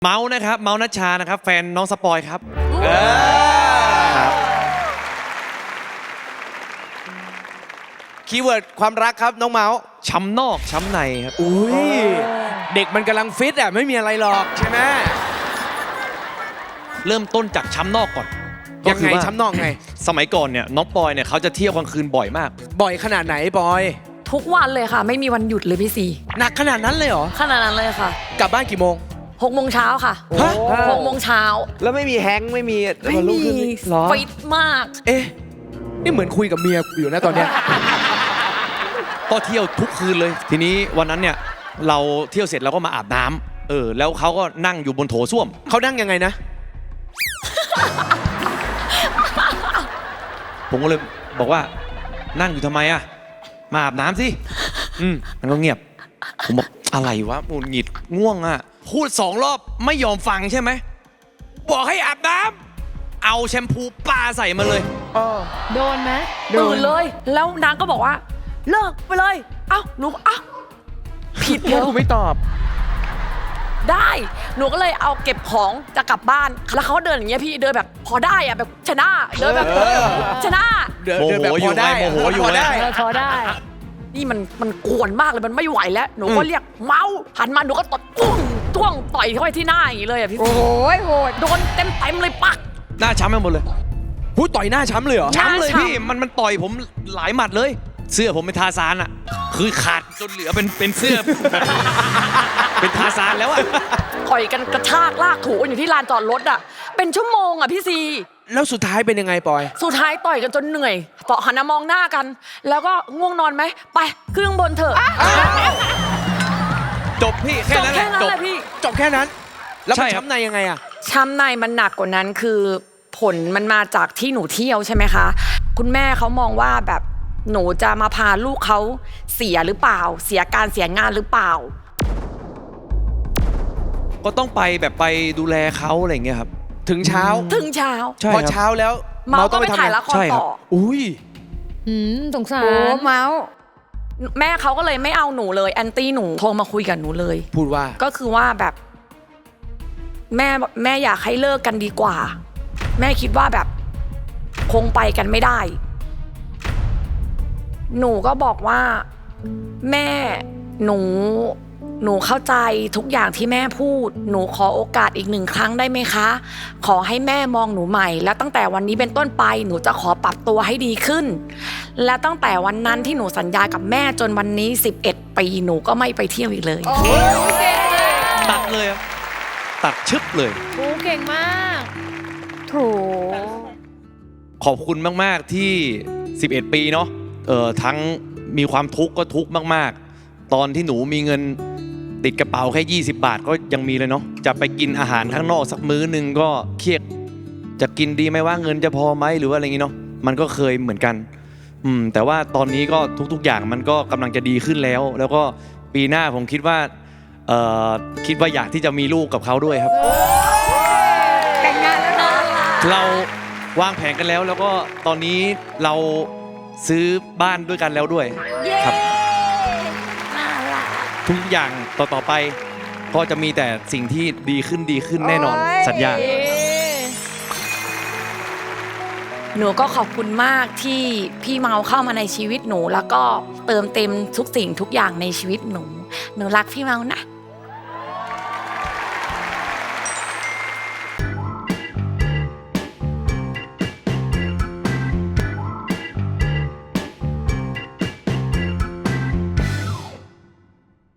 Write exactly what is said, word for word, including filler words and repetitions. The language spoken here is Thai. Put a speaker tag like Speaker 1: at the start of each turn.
Speaker 1: เมาส์นะครับเมาส์นัชชานะครับแฟนน้องสปอยครับเออครับ
Speaker 2: คีย์เวิร์ดความรักครับน้องเมาส์
Speaker 1: ช้ำนอกช้ำในครับ
Speaker 2: อุ้ยเด็กมันกำลังฟิตอ่ะไม่มีอะไรหรอกใช่ไหม
Speaker 1: เริ่มต้นจากช้ำนอกก่อน
Speaker 2: ยังไงช้ำนอกไง
Speaker 1: สมัยก่อนเนี่ยน้องปอยเนี่ยเขาจะเที่ยวกลางคืนบ่อยมาก
Speaker 2: บ่อยขนาดไหนปอย
Speaker 3: ทุกวันเลยค่ะไม่มีวันหยุดเลยพี่ซี
Speaker 2: หนักขนาดนั้นเลยเหรอ
Speaker 3: ขนาดนั้นเลยค่ะ
Speaker 2: กลับบ้านกี่โมง
Speaker 3: หกโมงเช้าค่ะหกโมงเช้า
Speaker 4: แล้วไม่มีแฮงค์ไม่มี
Speaker 3: ไม่มีฟิตมาก
Speaker 2: เอ๊ะนี่เหมือนคุยกับเมียอยู่นะตอนเนี้ย
Speaker 1: ก็เที่ยวทุกคืนเลยทีนี้วันนั้นเนี่ยเราเที่ยวเสร็จเราก็มาอาบน้ำเออแล้วเขาก็นั่งอยู่บนโถส้วม
Speaker 2: เขานั่งยังไงนะ
Speaker 1: ผมก็เลยบอกว่านั่งอยู่ทำไมอะมาอาบน้ำสิอืมมันก็เงียบผมบอกอะไรวะหงุดหงิดง่วงอะพูดสองรอบไม่ยอมฟังใช่ไหมบอกให้อาบน้ำเอาแชมพูปาใส่มาเลย
Speaker 5: โดนไหม
Speaker 3: ตื่นเลยแล้วนางก็บอกว่าเลิกไปเลยเอ้าหนูเอ้าผิดแล้ว
Speaker 2: กูไม่ตอบ
Speaker 3: ได้หนูก็เลยเอาเก็บของจะกลับบ้านแล้วเขาเดินอย่างเงี้ยพี่เดินแบบพอได้อะแบบชนะเดินแบบชนะ
Speaker 2: เดินแบบพอได้
Speaker 1: โมโหอยู่ไง
Speaker 5: พอได้
Speaker 3: นี่มันมันกวนมากเลยมันไม่ไหวแล้วหนูก็เรียกเมาหันมาหนูก็ตดปุ้งจ้วงต่อยเข้าไปที่หน้าอย่างนี้เลยอะพี่
Speaker 5: โอ้ยโหด
Speaker 3: โดนเต็มเต็มเลยปัก
Speaker 1: หน้าช้ำไปหมดเลย
Speaker 2: พูดต่อยหน้าช้ำเลยเหรอ
Speaker 1: ช้ำเลยพี่มันมันต่อยผมหลายหมัดเลยเสื้อผมเป็นทาซานอะคือขาดจนเหลือเป็นเป็นเสื้อเป็นทาซานแล้วอะ
Speaker 3: ต่อยกันกระชากลากถูอยู่ที่ลานจอดรถอะเป็นชั่วโมงอะพี่ซี
Speaker 2: แล้วสุดท้ายเป็นยังไงปอย
Speaker 3: สุดท้ายต่อยกันจนเหนื่อยต่อหันมามองหน้ากันแล้วก็ง่วงนอนไหมไปขึ้นข้างบนเถอะ
Speaker 1: จบพี่แค่นั้นแหละ
Speaker 3: จบพี่
Speaker 2: จบแค่นั้นแล้วมันช้ำในยังไงอะ
Speaker 3: ช้ำในมันหนักกว่านั้นคือผลมันมาจากที่หนูเที่ยวใช่ไหมคะคุณแม่เขามองว่าแบบหนูจะมาพาลูกเขาเสียหรือเปล่าเสียการเสียงานหรือเปล่า
Speaker 1: ก็ต้องไปแบบไปดูแลเขาอะไรอย่างเงี้ยครับ
Speaker 2: ถึงเช้า
Speaker 3: ถึงเช้า
Speaker 2: พอเช้าแล้ว
Speaker 3: เมาก็ไปถ่ายละครต่อ
Speaker 2: อุ้ย
Speaker 5: สงสารโอ้เมา
Speaker 3: แม่เขาก็เลยไม่เอาหนูเลยแอนตี้หนูโทรมาคุยกับหนูเลย
Speaker 2: พูดว่า
Speaker 3: ก็คือว่าแบบแม่แม่อยากให้เลิกกันดีกว่าแม่คิดว่าแบบคงไปกันไม่ได้หนูก็บอกว่าแม่หนูหนูเข้าใจทุกอย่างที่แม่พูดหนูขอโอกาสอีกหนึ่งครั้งได้ไหมคะขอให้แม่มองหนูใหม่แล้วตั้งแต่วันนี้เป็นต้นไปหนูจะขอปรับตัวให้ดีขึ้นและตั้งแต่วันนั้นที่หนูสัญญากับแม่จนวันนี้สิบเอ็ดปีหนูก็ไม่ไปเที่ยวอีกเลย
Speaker 1: ตัดเลยตัดชึบเลย
Speaker 5: โอ้เก่งมากโถ
Speaker 1: ขอบคุณมากๆที่สิบเอ็ดปีเนาะเออทั้งมีความทุกข์ก็ทุกข์มากๆตอนที่หนูมีเงินติดกระเป๋าแค่ยี่สิบบาทก็ยังมีเลยเนาะจะไปกินอาหารข้างนอกสักมื้อนึงก็เครียดจะกินดีไหมว่าเงินจะพอไหมหรือว่าอะไรอย่างงี้เนาะมันก็เคยเหมือนกันอืมแต่ว่าตอนนี้ก็ทุกๆอย่างมันก็กำลังจะดีขึ้นแล้วแล้วก็ปีหน้าผมคิดว่าเอ่อคิดว่าอยากที่จะมีลูกกับเขาด้วยครับ
Speaker 5: แต่งงานแล้วนะ
Speaker 1: เราวางแผนกันแล้วแล้วก็ตอนนี้เราซื้อบ้านด้วยกันแล้วด้วยครับทุกอย่างต่อต่อไปก็จะมีแต่สิ่งที่ดีขึ้นดีขึ้นแน่นอนสัญญา
Speaker 3: หนูก็ขอบคุณมากที่พี่เมาเข้ามาในชีวิตหนูแล้วก็เติมเต็มทุกสิ่งทุกอย่างในชีวิตหนูหนูรักพี่เมานะ